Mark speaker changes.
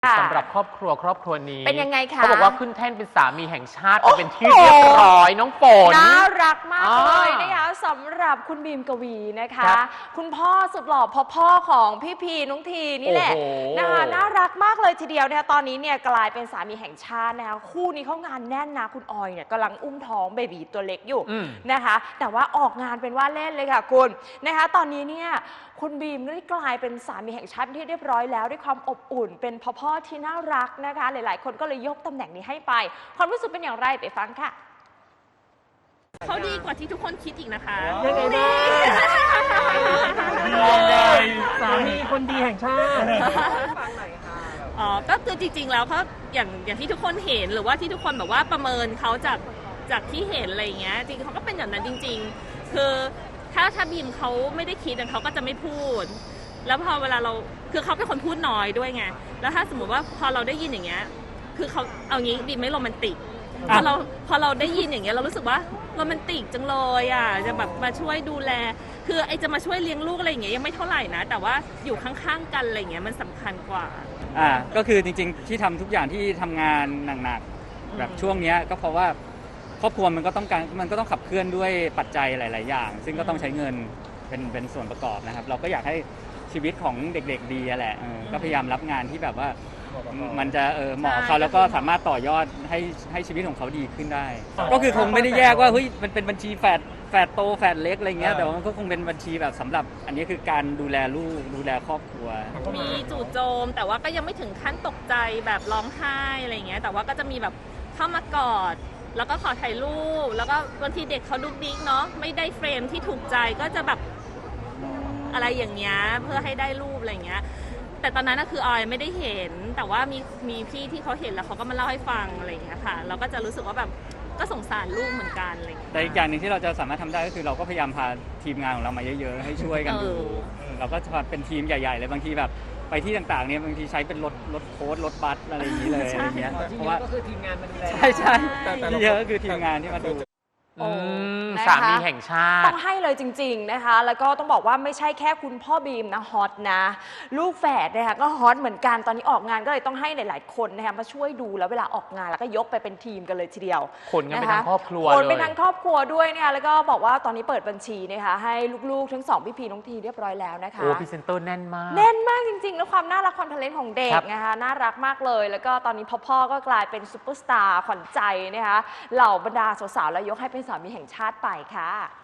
Speaker 1: สำหรับครอบครัวนี้
Speaker 2: เป็นยังไงคะ
Speaker 1: เขาบอกว่าขึ้นแท่นเป็นสามีแห่งชาติไปเป็นที่เรียบร้อยน้องฝน
Speaker 2: น่ารักมากเลยนะคะสำหรับคุณบีมกวีนะคะคุณพ่อสุดหล่อพ่อของพี่พีน้องทีนี่แหละนะคะน่ารักมากเลยทีเดียวนะคะตอนนี้เนี่ยกลายเป็นสามีแห่งชาตินะคะคู่นี้เขางานแน่นนะคุณออยเนี่ยกำลังอุ้มท้องเบบีตัวเล็กอยู่นะคะแต่ว่าออกงานเป็นว่าเล่นเลยค่ะคุณนะคะตอนนี้เนี่ยคุณบีมได้กลายเป็นสามีแห่งชาติที่เรียบร้อยแล้วด้วยความอบอุ่นเป็นพ่อที่น่ารักนะคะหลายๆคนก็เลยยกตำแหน่งนี้ให้ไปความรู้สึกเป็นอย่างไรไปฟังค่ะ
Speaker 3: เขาดีกว่าที่ทุกคนคิดอีกนะคะ
Speaker 4: ยังไงบ้างสามีคนดีแห่งชาติฟังหน่อยค่ะ
Speaker 3: อ๋อก็คือจริงๆแล้วเขาอย่างที่ทุกคนเห็นหรือว่าที่ทุกคนแบบว่าประเมินเขาจากที่เห็นอะไรอย่างเงี้ยจริงๆเขาก็เป็นอย่างนั้นจริงๆคือถ้าบีมเขาไม่ได้คิดเขาก็จะไม่พูดแล้วพอเวลาเราคือเขาเป็นคนพูดน้อยด้วยไงแล้วถ้าสมมติว่าพอเราได้ยินอย่างเงี้ยคือเขาเอางี้บีมไม่โรแมนติกพอเราได้ยินอย่างเงี้ยเรารู้สึกว่าโรแมนติกจังเลยอ่ะจะแบบมาช่วยดูแลคือไอจะมาช่วยเลี้ยงลูกอะไรอย่างเงี้ยยังไม่เท่าไหร่นะแต่ว่าอยู่ข้างๆกันอะไรอย่างเงี้ยมันสำคัญกว่า
Speaker 5: ก็คือจริงๆที่ทำทุกอย่างที่ทำงานหนักๆแบบช่วงนี้ก็เพราะว่าครอบครัวมันก็ต้องขับเคลื่อนด้วยปัจจัยหลายๆอย่างซึ่งก็ต้องใช้เงินเป็นส่วนประกอบนะครับเราก็อยากให้ชีวิตของเด็กๆดีแหละก็พยายามรับงานที่แบบว่ามันจะเหมาะเขาแล้วก็สามารถต่อยอดให้ชีวิตของเขาดีขึ้นได้ก็คือคงไม่ได้แยกว่าเฮ้ยมันเป็นบัญชีแฝดโตแฝดเล็กอะไรเงี้ยแต่ว่ามันก็คงเป็นบัญชีแบบสำหรับอันนี้คือการดูแลลูกดูแลครอบครัว
Speaker 3: มีจู่โจมแต่ว่าก็ยังไม่ถึงขั้นตกใจแบบร้องไห้อะไรเงี้ยแต่ว่าก็จะมีแบบเข้ามากอดแล้วก็ขอถ่ายรูปแล้วก็บางทีเด็กเขาดุ๊กดิ๊กเนาะไม่ได้เฟรมที่ถูกใจก็จะแบบอะไรอย่างเงี้ยเพื่อให้ได้รูปอะไรเงี้ยแต่ตอนนั้นคือออยไม่ได้เห็นแต่ว่ามีพี่ที่เขาเห็นแล้วเขาก็มาเล่าให้ฟังอะไรอย่างเงี้ยค่ะเราก็จะรู้สึกว่าแบบก็สงสารลูกเหมือนกันอะไรอย่างเงี้ย
Speaker 5: แต่อีกอย่างหนึ่งที่เราจะสามารถทำได้ก็คือเราก็พยายามพาทีมงานของเรามาเยอะๆให้ช่วยกันดูเราก็จะเป็นทีมใหญ่ๆเลยบางทีแบบไปที่ต่างๆเนี่ยบางทีใช้เป็นรถโค้ดรถบัสอะไรอย่างนี้เลยอะไรเงี้ย
Speaker 4: เพราะว่าก็คือทีมงานมาดูแล
Speaker 5: ใช่เยอะก็คือทีมงานที่มาดู
Speaker 1: สามีแห่งชาติ
Speaker 2: ต้องให้เลยจริงๆนะคะแล้วก็ต้องบอกว่าไม่ใช่แค่คุณพ่อบีมนะฮอตนะลูกแฝดนะคะก็ฮอตเหมือนกันตอนนี้ออกงานก็เลยต้องให้หลายๆคนนะคะมาช่วยดูแล้วเวลาออกงานแล้วก็ยกไปเป็นทีมกันเลยทีเดียว
Speaker 1: คนกันเป็นทั้งครอบครัว
Speaker 2: คนเป็นทั้งครอบครัวด้วยนะคะแล้วก็บอกว่าตอนนี้เปิดบัญชีนะคะให้ลูกๆทั้ง2พี่พีน้องทีเรียบร้อยแล้วนะคะ
Speaker 1: โอ้พรีเซนเตอร์แน่นมาก
Speaker 2: จริงๆแล้วความน่ารักความทะเลนของเด็กนะคะน่ารักมากเลยแล้วก็ตอนนี้พ่อก็กลายเป็นซุปเปอร์สตาร์ขวัญใจนะคะเหล่าบรรดาสาวๆแล้วยกให้เป็นสามีแห่งชาติไปค่ะ